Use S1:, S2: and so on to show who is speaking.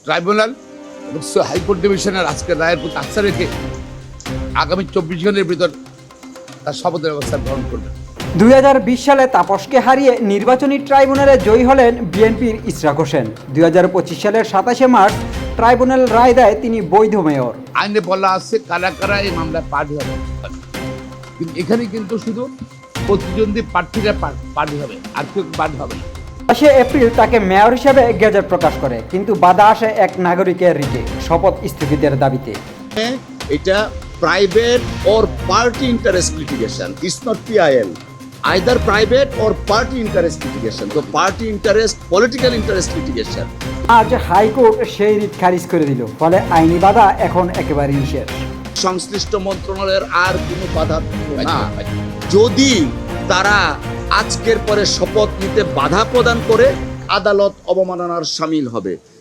S1: Tribunal এবং high court ডিভিশনের আজকের রায়ের প্রতি আস্থা রেখে আগামী 24 ঘন্টার ভিতর তার শপথের ব্যবস্থা গ্রহণ করবেন।
S2: 2020 সালে তাপসকে হারিয়ে নির্বাচনী ট্রাইব্যুনালে জয়ী হলেন বিএনপির ইশরাক হোসেন। 2025 সালের 27শে মার্চ ট্রাইব্যুনাল রায় দেয় তিনি বৈধ মেয়র।
S1: আইনে বলা আছে কারা কারা এই মামলায় পার্টি হবে, কিন্তু এখানে কিন্তু শুধু প্রতিদ্বন্দ্বী প্রার্থীরা পার্টি হবে, আর কেউ পার্টি হবে না।
S2: 5 এপ্রিল তাকে মেয়র হিসেবে গেজেট প্রকাশ করে, কিন্তু বাধা আসে এক নাগরিকের রিটে শপথ স্থগিতের দাবিতে।
S3: এটা private or party interest litigation. It's not PIL. Either private or party interest litigation. So party interest, political interest litigation.
S2: আজ হাইকোর্ট সেই রিট খারিজ করে দিল, ফলে আইনি বাধা এখন একেবারে নিষেধ।
S3: সংশ্লিষ্ট মন্ত্রণালয়ের আর কোনো বাধা না। যদি তারা আজকের পরে শপথ নিতে বাধা প্রদান করে, আদালত অবমাননার শামিল হবে।